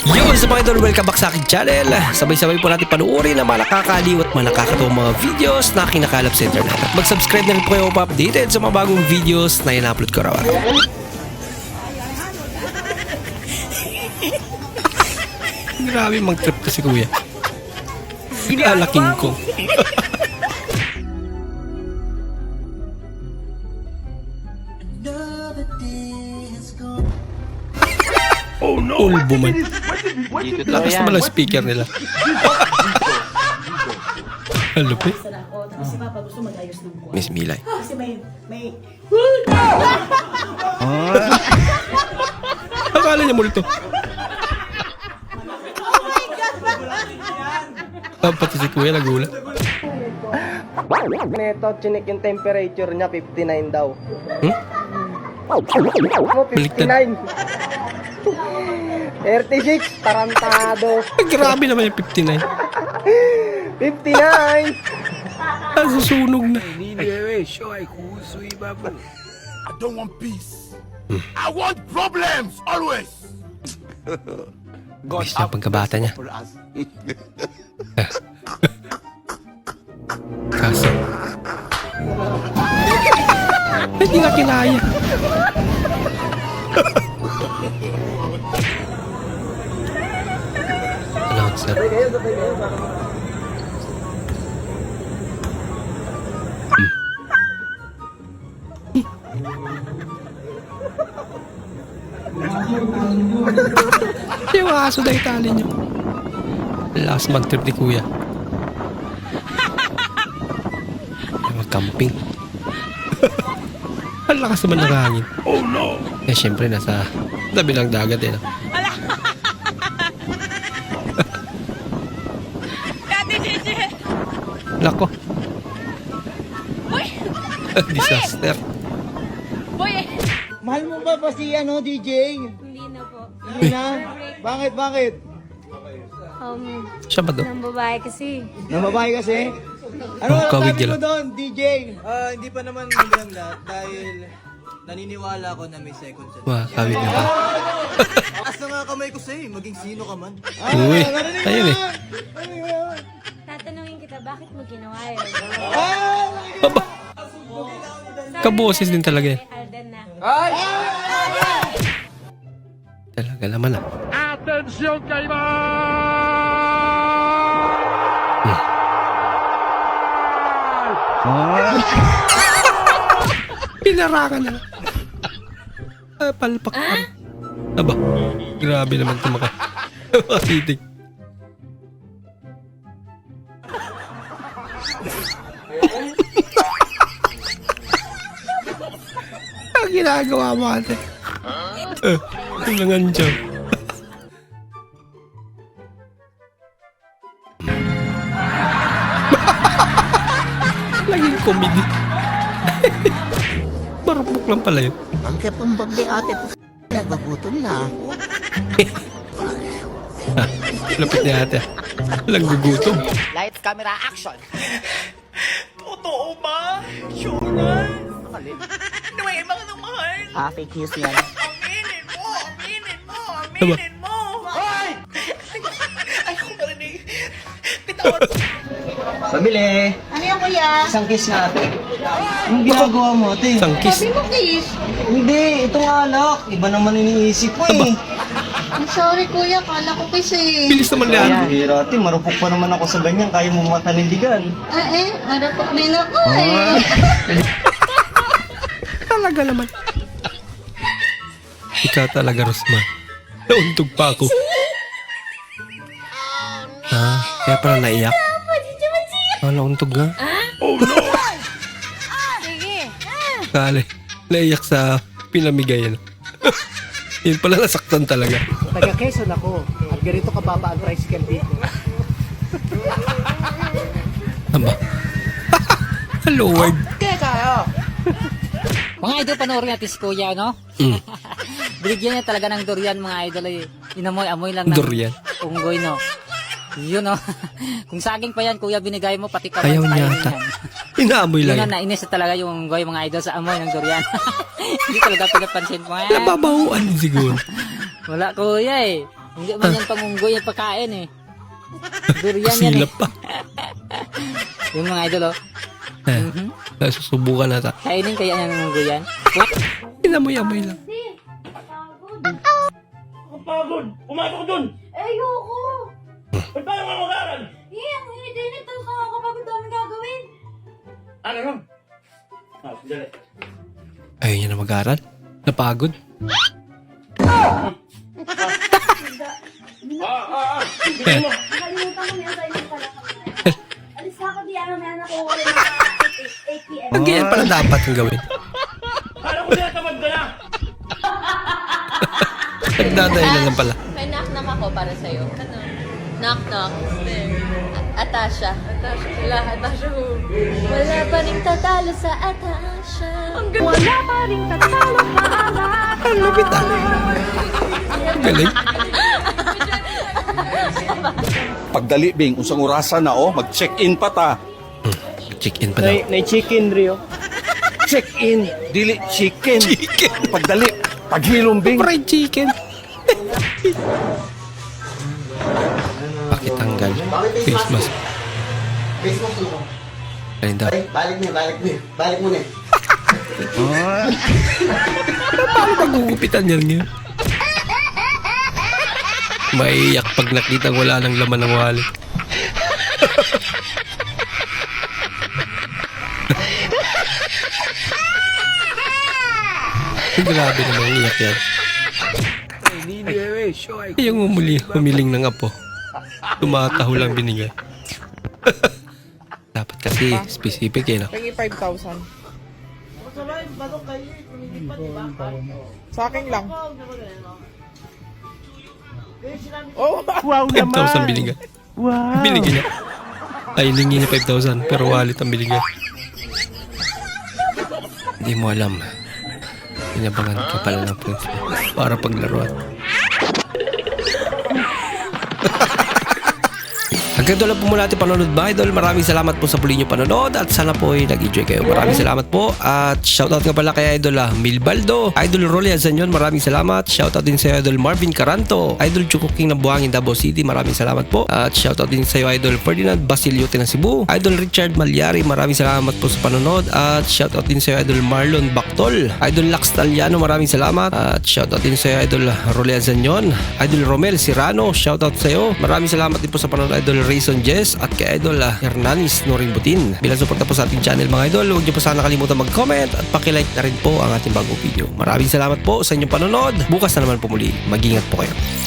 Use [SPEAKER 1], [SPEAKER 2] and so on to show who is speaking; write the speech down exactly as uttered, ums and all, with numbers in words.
[SPEAKER 1] Yo, sa mga idol, welcome back sa aking channel. Sabay-sabay po natin panuorin ang mga nakakaliw at mga nakakatuwang mga videos na kinakalap sa internet. At mag-subscribe na rin po kayo pa-updated sa mga bagong videos na in-upload ko raw. Grabe mag-trip to si kuya. Alaking ko.
[SPEAKER 2] Oh no!
[SPEAKER 1] Ulbo man.
[SPEAKER 2] Dito
[SPEAKER 1] Lakas naman ang speaker nila. Ano po?
[SPEAKER 3] Tapos si Papa gusto mag-ayos ng kuwan.
[SPEAKER 1] Miss Milay.
[SPEAKER 3] Kasi may, may...
[SPEAKER 1] Akala niya multo. Ah, pati si kuya nagulat.
[SPEAKER 4] Neto, chinik yung temperature niya, fifty-nine daw.
[SPEAKER 1] Hmm?
[SPEAKER 4] Ano, fifty-nine? thirty-six, tarantado.
[SPEAKER 1] Ay, grabe naman yung fifty-nine.
[SPEAKER 4] fifty-nine!
[SPEAKER 1] Ah, susunog na.
[SPEAKER 2] I don't want peace. I want problems always.
[SPEAKER 1] Miss na pagkabata niya. Kaso. Hindi nga kinaya. Announcer. Yung aso na itali niyo. Last mag-trip ni kuya. Mag-camping. Ang lakas naman ng hangin.
[SPEAKER 2] Oh no!
[SPEAKER 1] Eh, syempre, nasa tabi ng dagat eh. No? Lako. Disaster.
[SPEAKER 4] Mahal mo ba pa si ano, D J?
[SPEAKER 5] Hindi na po.
[SPEAKER 4] Hindi na? Bakit, bakit?
[SPEAKER 5] Um,
[SPEAKER 1] Siya ba to?
[SPEAKER 5] ng babae kasi.
[SPEAKER 4] Na babae kasi? Ano
[SPEAKER 1] Oh,
[SPEAKER 4] ang
[SPEAKER 1] kawig
[SPEAKER 4] sabi
[SPEAKER 1] nila.
[SPEAKER 4] mo doon, D J?
[SPEAKER 6] Ah, hindi pa naman maganda dahil naniniwala ako na may second chance.
[SPEAKER 1] Wah, kawig na ba?
[SPEAKER 6] Taas na nga kamay ko sa'yo, eh, maging sino ka man.
[SPEAKER 1] Uy, ayun eh.
[SPEAKER 5] Tatanungin kita, bakit mo ginawa yun?
[SPEAKER 1] Aba. Kaboses din talaga eh.
[SPEAKER 5] May Alden na.
[SPEAKER 1] Talaga naman ah.
[SPEAKER 2] Attention kayo!
[SPEAKER 1] Pinarangan na. Ah, palpak ka. Aba, grabe naman ito maka. Makatitig. Ang ginagawa mo ate. Eh, tulangan dyan. Laging komedi. Marupok lang pala yun.
[SPEAKER 7] Ang kapumbag ni ate, nagbagutom na.
[SPEAKER 1] Lapit niya ate. Walang gugutom.
[SPEAKER 7] Light camera action.
[SPEAKER 6] Totoo ba? Sure na? Naway, mga nang mahal.
[SPEAKER 7] Ah, fake news yan.
[SPEAKER 6] Aminin mo! Aminin mo!
[SPEAKER 1] Aba.
[SPEAKER 6] Aminin mo! Hoy! Ayaw ko marinig. Bitawan mo.
[SPEAKER 4] Pabili.
[SPEAKER 3] Ano yan, kuya?
[SPEAKER 4] Isang kiss nga ate. Anong ginagawa mo ate?
[SPEAKER 1] Isang kiss.
[SPEAKER 3] Sabi mo, kiss.
[SPEAKER 4] Hindi, itong alak. Iba naman iniisip ko eh.
[SPEAKER 3] I'm sorry, kuya. Kala ko kiss eh.
[SPEAKER 1] Bilis naman niya.
[SPEAKER 4] Ayan, hira ate. Marupok pa naman ako sa ganyan. Kaya mo matanindigan.
[SPEAKER 3] Ah eh, marapok din ako eh.
[SPEAKER 1] Talaga naman. Ikaw talaga, Rosma. Nauntog pa ako. Ah, kaya pala naiyak. Ah, nauntog nga.
[SPEAKER 5] Sige.
[SPEAKER 1] Kale, naiyak sa pinamigay. Ano? Yun pala, nasaktan talaga.
[SPEAKER 4] Taga Quezon ako. At ganito kababa ang tricycle dito.
[SPEAKER 1] Aba. Hello, word.
[SPEAKER 8] Mga idol, panoorin natin si Kuya, no?
[SPEAKER 1] Mm.
[SPEAKER 8] Binigyan niya talaga ng durian, mga idol. Eh. Inamoy-amoy lang ng
[SPEAKER 1] Durian.
[SPEAKER 8] unggoy, no? Yun, no? Kung saging pa yan, Kuya, binigay mo, pati ka
[SPEAKER 1] Ayaw niya ata. Inaamoy
[SPEAKER 8] Yun,
[SPEAKER 1] lang
[SPEAKER 8] no,
[SPEAKER 1] yan.
[SPEAKER 8] nainis na talaga yung unggoy, mga idol, sa amoy ng durian. Hindi talaga pinapansin mo. Eh.
[SPEAKER 1] Nababahuan din siguro.
[SPEAKER 8] Wala, Kuya, eh. Hindi man yan pangunggoy, yan pagkain eh. Durian yan eh.
[SPEAKER 1] Silap pa.
[SPEAKER 8] Yung mga idol oh.
[SPEAKER 1] Eh,
[SPEAKER 8] Mhm.
[SPEAKER 1] Susubukan nata.
[SPEAKER 8] Kainin kaya yan ng unggoy yan.
[SPEAKER 1] Inamoy-amoy lang.
[SPEAKER 6] Pagod! Pumasok dun!
[SPEAKER 5] Eh, ayoko.
[SPEAKER 6] Ba't paano ka mag-aaral?
[SPEAKER 5] Eh, ang init-init. Tapos nakakapagod daming gagawin.
[SPEAKER 6] Ano nun? Ah, dali.
[SPEAKER 1] Ayaw niya na mag-aral. Napagod.
[SPEAKER 6] Ah, ah, ah! Bigyan mo!
[SPEAKER 5] Nakalimutan ko may assignment pala kami. Alis na ako, di ako may anak ko. Wala na eight p.m.
[SPEAKER 1] Ang ganyan pala dapat yung gawin.
[SPEAKER 6] Kala ko tinatamad ka na!
[SPEAKER 1] Nagdadahilan lang pala.
[SPEAKER 9] May knock-knock ako para sa'yo. Ano? Knock-knock. Atasha. Atasha sila. Atasha who? Wala pa rin tatalo sa Atasha. Wala pa rin tatalo sa Atasha.
[SPEAKER 1] Ang lupit ah. Galing.
[SPEAKER 2] Pagdali, Bing, unsang orasan na, oh. Mag-check-in pa ta.
[SPEAKER 1] Chicken pa daw.
[SPEAKER 4] May chicken, Rio.
[SPEAKER 2] Check-in, dili chicken.
[SPEAKER 1] Chicken.
[SPEAKER 2] Pagdali, paghilom, Bing.
[SPEAKER 1] Fried chicken. Pakitanggal. Face mask.
[SPEAKER 7] Face mo suko.
[SPEAKER 1] Ayun daw.
[SPEAKER 7] Balik mo, balik mo. Balik mo na.
[SPEAKER 1] Paano pagugupitan niya niya? Maiyak pag nakita wala nang laman ng wallet. Grabe naman iyak yan. Yung umuli, humiling ng apo. Tumataho lang binigay. Dapat kasi specific eh, no?
[SPEAKER 10] Pagi five thousand. Sa akin lang. Oh, wow
[SPEAKER 1] five thousand binigay. Wow. Binigay niya. Ay, hilingi niya five thousand pero wallet ang binigay. Hindi mo alam. Inabangan ka pala ng friends mo para paglaruan. Hanggang doon lang po muna ating panonood mga idol. Maraming salamat po sa puli nyo panonood at sana po ay nag-enjoy kayo. Maraming salamat po at shoutout nga pala kay Idol ah, Milbaldo, Idol Rolly Azanyon, maraming salamat. Shoutout din sa Idol Marvin Caranto, Idol Chuko King ng Buhangin, Davao City, maraming salamat po. At shoutout din sa iyo Idol Ferdinand Basilio ng Cebu, Idol Richard Malyari, maraming salamat po sa panonood. At shoutout din sa iyo Idol Marlon Bactol, Idol Lax Taliano, maraming salamat. At shoutout din sa iyo Idol Rolly Azanyon, Idol Romel Sirano, shoutout sa iyo. Maraming salamat din po sa panonood Idol Rayson Jess at kay Idol uh, Hernanis Noring Butin. Bilang suporta po sa ating channel mga idol, huwag niyo po sana kalimutan mag-comment at pakilike na rin po ang ating bagong video. Maraming salamat po sa inyong panonood. Bukas na naman po muli. Mag-ingat po kayo.